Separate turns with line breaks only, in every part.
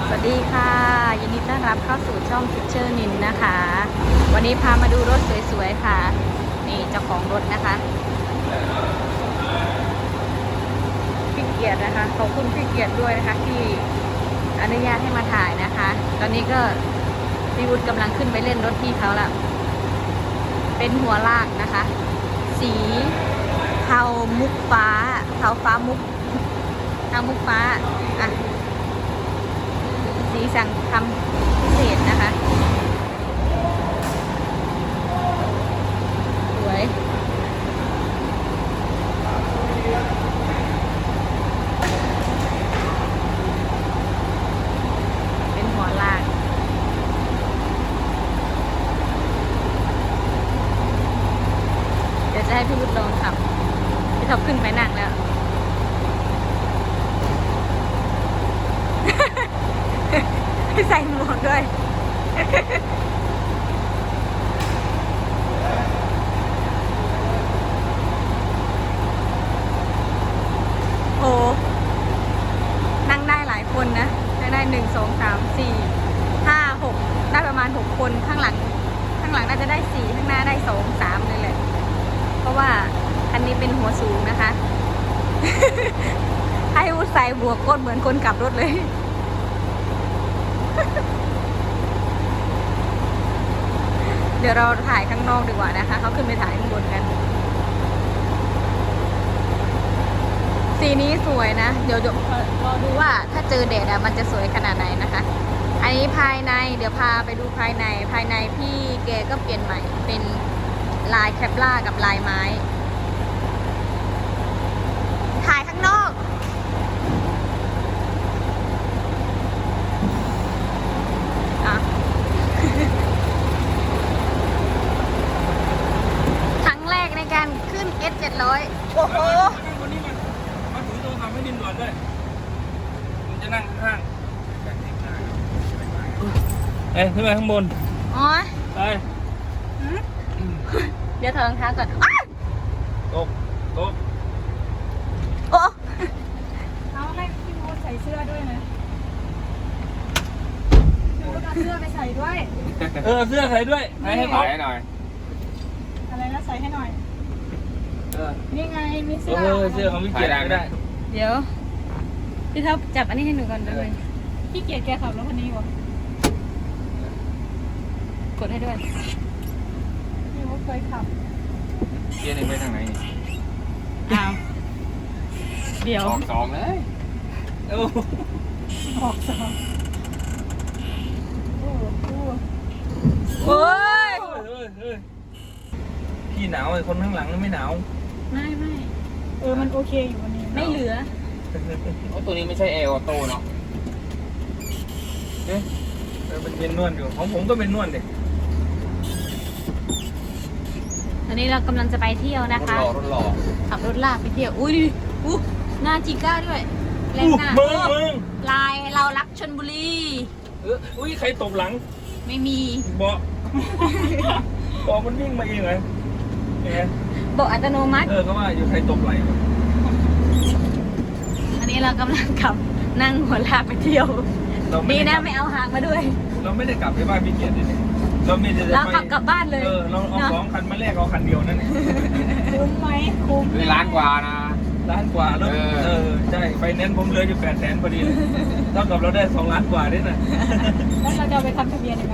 สวัสดีค่ะยินดีต้อนรับเข้าสู่ช่องพิเชอร์นินนะคะ วันนี้พามาดูรถสวยๆค่ะนี่เจ้าของรถนะคะพี่เกียรตินะคะขอบคุณพี่เกียรติด้วยนะคะที่อนุญาตให้มาถ่ายนะคะ ตอนนี้ก็พี่วุฒิกำลังขึ้นไปเล่นรถพี่เขาละเป็นหัวลากนะคะ สีเทามุกฟ้าเทาฟ้ามุกเทามุกฟ้าอ่ะสีสั่งทำพิเศษนะคะสวยเป็นหัวลากเดี๋ยวจะให้พี่วุฒิลองขับพี่ท็อปขึ้นไปนั่งแล้วใส่หมวกด้วยโอ้นั่งได้หลายคนนะได้1 2 3 4 5 6ได้ประมาณ6คนข้างหลังน่าจะได้4ข้างหน้าได้2 3เลยแหละเพราะว่าคันนี้เป็นหัวสูงนะคะ ให้วุฒิใส่บวกก้นเหมือนคนขับรถเลยเดี๋ยวเราถ่ายข้างนอกดีกว่านะคะเขาขึ้นไปถ่ายข้างบนกันสีนี้สวยนะเดี๋ยวรอดูว่าถ้าเจอแดดมันจะสวยขนาดไหนนะคะอันนี้ภายในเดี๋ยวพาไปดูภายในพี่แกก็เปลี่ยนใหม่เป็นลายแคปล่ากับลายไม้ถ่ายข้างนอกครั้งแรกในการขึ้น S700 โอ้โห
วันนี้มาถือโทรศัพท์ให้ดินด่วนด้วยมันจะนั่งข้างเอ้ยขึ้นไปข้างบน
อ๋อ
ไป
เดี๋ยวถอดรองเท้าก่อน
ตก
โอ้
เอาให้พี่โมใส่เสื้อด้วยนะพี่โมเอาเสื้อไปใส่ด้วย
เสื้อใส่ด้วยใส่ให้เขา
หน่อย
อะไรนะใส่ให้หน่อย นี่ไงมีเสื้
เสื้อของพี่เกียรติไม่ได้
เดี๋ยวพี่ท็อปจับอันนี้ให้หนูก่อนเลย
พี่เกียรติแกขับรถคันนี้วะ
กดให้ด้วย
พี่โมเคยขับ
เกียร์หนึ่งไปทางไหนนี่
อ้าวเดี๋ยว
สองเลย
โอ้
ออกสองโอ้โห
โอ้ย
พี่หนาวไอ้คนข้างหลังไม่หนาว
ไม่
มันโอเคอยู่วันนี้
ไม่เหลือ
โอ้ตัวนี้ไม่ใช่แอร์ออโต้เนาะ
เป็นเย็นนวดอยู่ของผมก็เป็นนวดเด็ก
ตอนนี้เรากำลังจะไปเที่ยวนะคะ
รถหล่อ
ขับรถลากไปเที่ยวอุ้ยดูดิหน้าจิก้าด้วยแรงหน้า
มึง
ลายเรารักชลบุรี
อุ้ยใครตบหลัง
ไม่มี
เบาะมันวิ่งมาเองเลยไง
บอกอัตโนมัติ
ก็ว่าอยู่ใครตบไหล
อันนี้เรากำลังขับนั่งหัวลากไปเที่ยวดีนะไม่เอาหางมาด้วย
เราไม่ได้กลับไปบ้านพี่เกียรติเลยเราไม่ได้
เราขับกลับบ้านเลย
เราเอา2 คันมาแลกเอาคันเดียวนั่นเอง
คุ้มไหมคุ้ม
คือล้านกว่านะ
ล้านกว่าแล้วใช่ไฟแนนซ์ผมเหลืออยู่800,000พอดีเลยเท่ากับเราได้2 ล้านกว่าด้วยนะ
แล้วเราจะเอาไปทำทะเบียนยังไง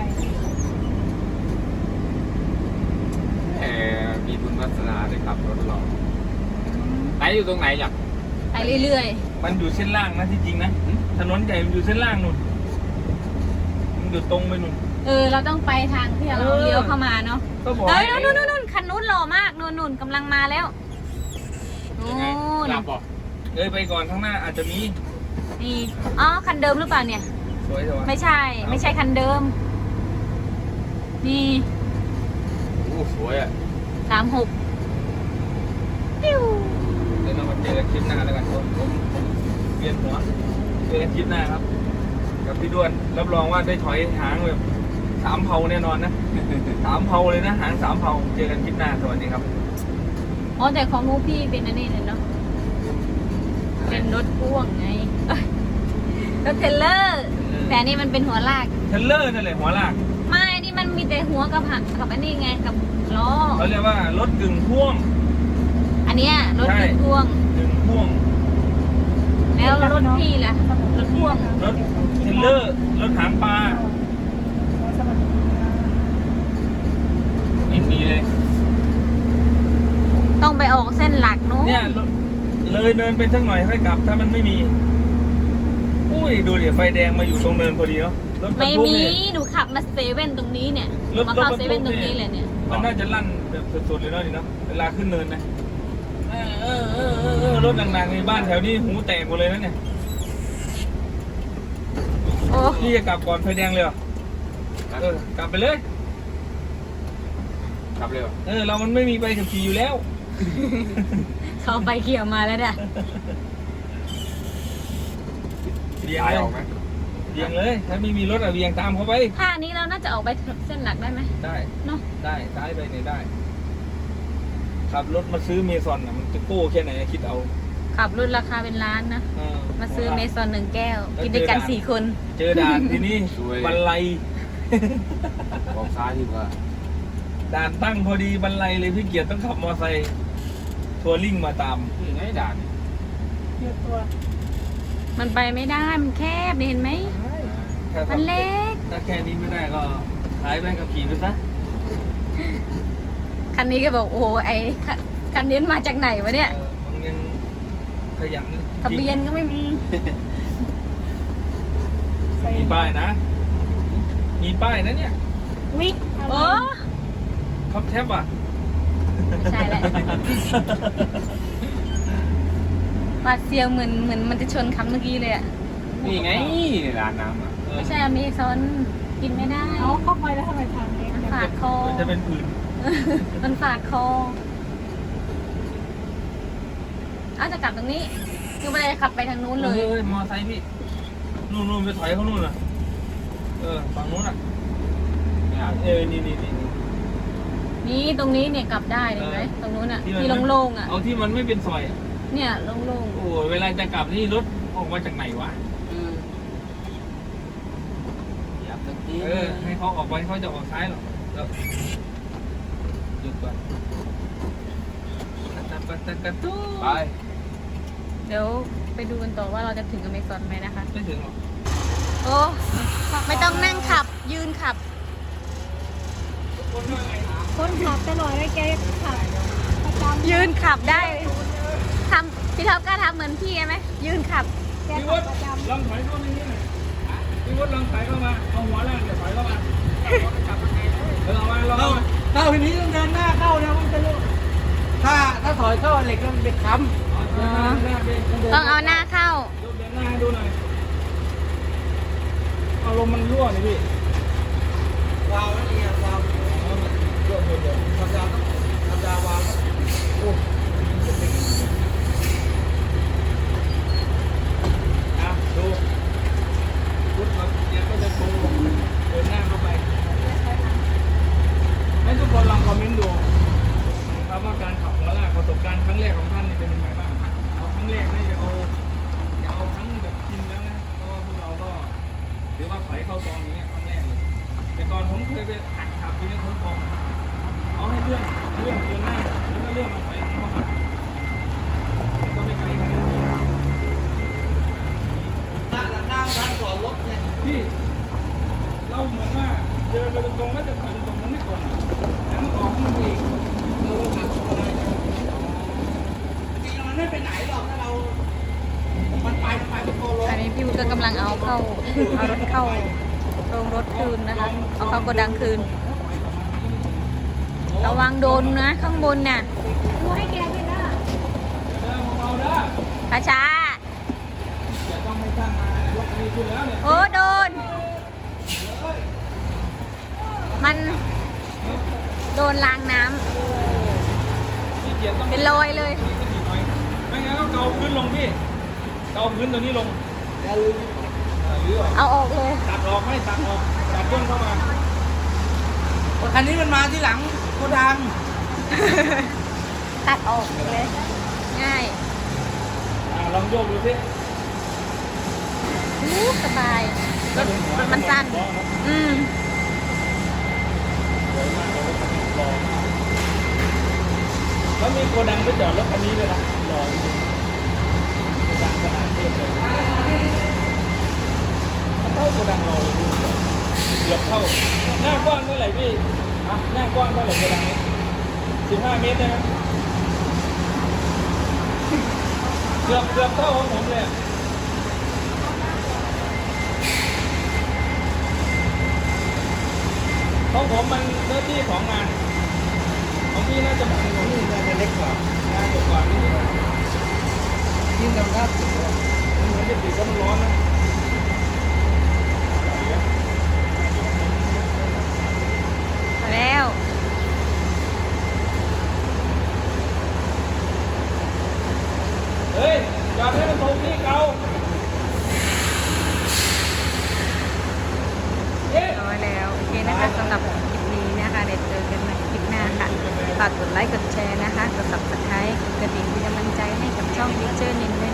มีบุญวาสนาได้ขับรถหล่อไหนอยู่ตรงไหนอยาก
ไปเรื่อย
มันอยู่เส้นล่างนะที่จริงนะถนนใหญ่มันอยู่เส้นล่างนู่นมันอยู่ตรงไปนู่น
ๆเราต้องไปทางที่เราเลี้ยวเข้ามาเนาะ
ก็บอก
เฮ้ยนู่นคันนู้นหล่อมากนู่นกำลังมาแล้วนู่
ยังไง
น
หลับป่ะ
ไปก่อนข้างหน้าอาจจะมี
นี่อ๋อคันเดิมหรือเปล่าเนี่ย
สวยแต่ว่า
ไม่ใช่คันเดิมนี่
โอ้สวยอ่ะ
36ปิ้ว
เดี๋ยวเรามาเจอกันคลิปหน้าแล้วกันผมเปลี่ยนหัวเจอกันคลิปหน้าครับกับพี่ด้วนรับรองว่าได้ถอยหางแบบ3 เผาแน่นอนนะ3 เผาเลยนะหาง3 เผาเจอกันคลิปหน้าสวัสดีครับ
อ๋อแต่ของมูพี่เป็นอันนี้เลยเนาะเป็นรถพ่วงไงเอ้ยรถเทรลเลอร์แต่อันนี่มันเป็นหัวลาก
เทรลเลอร์นั่นแหละหัวลาก
ไม่นี่มันมีแต่หัวกับหักกับอันนี้ไงกับล้อ
เขาเรียกว่ารถกึ่งพ่วง
อันเนี้ยรถ
ใช่
ติดพ่วง
กึ่งพ่วง
แล้วรถพี่ล่ะรถพ่วง
รถเทรลเลอร์รถหางปลา
สวัสดีค่ะ
ไม่มีเลย
ต้องไปออกเส้นหลักนู้น
เนี่ยเลยเนินไปสักหน่อยค่อยกลับ ถ้ามันไม่มีอุ้ยดูดิไฟแดงมาอยู่ตรงเนินพอดีเนาะรถบรร
ไม่
ทุก
มี
เนี่ย
หนูขับมาเซเว่นตรงนี้เนี่ย
รถ
มาเข้าร
ถบรรทุก
เซเว่นตรงนี้เลยเนี่ย
มันน่าจะลั่นแบบสุดๆเลยเนาะนี่เนาะเวลาขึ้นเนินนะรถหนักๆในบ้านแถวนี้หูแตกหมดเลยนะเนี่ย
โอ้
พี่จะกลับก่อนไฟแดงเลยเหรอ กลับไปเลย
ขับเร็ว
เรามันไม่มีใบขับขี่อยู่แล้ว
เขาไปเขี่ยวมาแล้วเนี่ย
เบี่ยง
ตาย
เลย
ออกไหม
เบี่ยงเลย ถ้าไม่มีรถอะเบี่ยงตามเขาไป
ท่านี้เราน่าจะออกไปเส้นหลักได้ไหม
ได้
เนาะ
ได้ซ้ายไปเนี่ยได้ ขับรถมาซื้อเมซอนอ่ะมันจะโก้แค่ไหนคิดเอา
ขับรุ่นราคาเป็นล้านนะ
เออ
มาซื้อเมซอน1 แก้ว
แล้ว
กินด้วยกัน
เจอด่าน
4 คน
เจอด่านทีนี้บันไล
บอกซ้ายดีกว่า
ด่านตั้งพอดีบันไลเลยพี่เกียรติต้องขับมอเตอร์ไซค์ทัวริ่งมาตาม
นี่ไงด่าน
เรียกตัว
มันไปไม่ได้ มันแคบนี่เห็นไหม
ถ้า
มันเล็ก
ถ้าแค่นี้ไม่ได้ก็ขายใบขับขี่ไปซะ
คันนี้ก็บอกโอ้โหคันนี้มาจากไหนวะเนี่ย
มันยังขยัน
ทะเบียนก็ไม่มี
ใส่
มีป้ายนะ มีป้ายนะเนี่ย
วิก
โอ้
ท็อปแท็บอ่ะ
ไม่ใช่แหละปาดเซียวเหมือนมันจะชนคำเมื่อกี้เลยอะ
นี่ไงร้านน้ำอ่ะ
ไม่ใช่อเมซอนกินไม่ได้
เอาเข้าไปแล้วทำไมทางเล็ก
มัน
จัง
ฝาดคอ
มันจะเป็นผื่น
มันฝาดคอเอาจะกลับตรงนี้คือไม่ได้ขับไปทางนู้นเลย
มอไซค์พี่ นู่นไปถอยเขานู่นน่ะ ฝั่งนู้นอ่ะ
ไม่เอา
นี่
นี่ตรงนี้เนี่ยกลับได้เห็นไหมตรงนู้นอ่ะ
มัน
ที่โล่งๆอ่ะ
เอาที่มันไม่เป็นซอยอ่ะ
เนี่ยโล่ง
โอ้ยเวลาจะกลับนี่รถออกมาจากไหนวะ
ยับตะกี้
ให้เขาออกไปเขาจะออกซ้ายหรอกแล้วหยุดก่อนกระตู้
ไป
ๆเดี๋ยวไปดูกันต่อว่าเราจะถึงอเมซอนไหมนะคะ
ไม่ถึงหรอก
โอ้ไม่ต้องนั่งขับ ยืนขับ
คนขับตลอดเลยแกขับประจำ
ยืนขับได้ทำพี่ท็อปก็ทำเหมือนพี่ไหมยืนขับ
แก
พี่
ขั
วุ
บ
ฒิ
ประจำ
ลองถอยเข้ามานี่หน่อยพี่วุฒิลองถอยเข้ามา เอาหัวล่างเดี๋ยวถอยเข้ามาลองมา
เข้าทีนี้ต้องเดินหน้าเข้านะมันจะรู้ถ้าถอยเข้าเหล็กมันเป็นค้
ต้องเอาหน้าเข้า
เดินหน้าให้ดูหน่อยเอาลมมันรั่วนี่พี่
ำวาวนั่นเองวาว
รั่วเดียว
ธรรมดาต้องธรรมดาวาว
โอ้ดูพุทธครับเนี่ยก็จะโชว์เดินหน้าเข้าไป ให้ทุกคนลองคอมเมนต์ดูนะครับว่าการขับหัวลากประสบการณ์ครั้งแรกของท่านนี่เป็นยังไงบ้างเอาครั้งแรกนี่จะเอาครั้งแบบชินแล้วนะเพราะว่าพวกเราก็ถือว่าถอยเข้าซองอย่างเงี้ยครั้งแรกเลยแต่ก่อนผมเคยไปหัดขับที่นี่ผมบอกเอาให้เลื่อนเดินหน้าแล้วก็เลื่อนมาถอยเข้ามาก็ไม่ไกลกัน
หน้าร้านก่อนรถเนี่ย
พี่เราเหมือนว่าเดินไปตรงๆแล้วจะถอยตรงมันไม่ก่อนแล้วมันออกมันเองเราขับอะไร
จริงๆมันไม่ไปไหนหรอกถ้าเรา มันไปเป็นตัวรถ
อันนี้พี่วุฒิก็กำลังเอารถเข้าโรงรถคืนนะคะ เอาเข้าโกดังคืน ระวังโดนนะข้างบนน่ะ
ดูให้แกด้วยนะ
เบาๆเด้อ
ช้า
อย่าต้องให้ช่างมายกนี้ขึ้นแล้วเนี่ย
ๆโอ้โดน มันโดนล้างน้ำ
พี่เกียรติต้อง
เป็นรอยเลย
ไม่งั้นก็เกาพื้นลงพี่ เกาพื้นตัวนี้ลง
อย่าลืม
หรือว่า
เอาออกเลย
ตัดออกไม่ตัดออกตัดย่นเข้ามา
คันนี้มันมาที่หลังโกดัง
ตัดออกเลย ง่าย
ลองโยกดูสิ
สบาย
แล้วถึงหัว
สั้น อืม
สวยมากเลยรถคันนี้หล่อมากแล้วมีโกดังไปจอดรถคันนี้เลยนะหล่อจริงโกดังขนาดเทียบเลยมันเท่าโกดังเราเลยเกือบเท่าหน้ากว้างเท่าไหร่พี่อ่ะหน้ากว้างเท่าไหร่โกดังนี้15 เมตรได้ไหมเกือบเท่าของผมเลยอะของผมมันเนื้อที่ของงานของพี่น่าจะมันของพี่น่าจะเล็กกว่างานกว่านี่ยิ่งดำน้ำสุดเลยมันเหมือนจะติดก็มันร้อนนะ
แล้ว
เฮ้ยจอดให้มันตรงที่เก่าเอ๊ะ
ร้อยแล้วโอเคนะคะสำหรับคลิปนี้นะคะเดี๋ยวเจอกันในคลิปหน้าค่ะฝากกดไลค์กดแชร์นะคะกด subscribe กดกระดิ่งเป็นกำลังใจให้กับช่อง Picture นินด้วย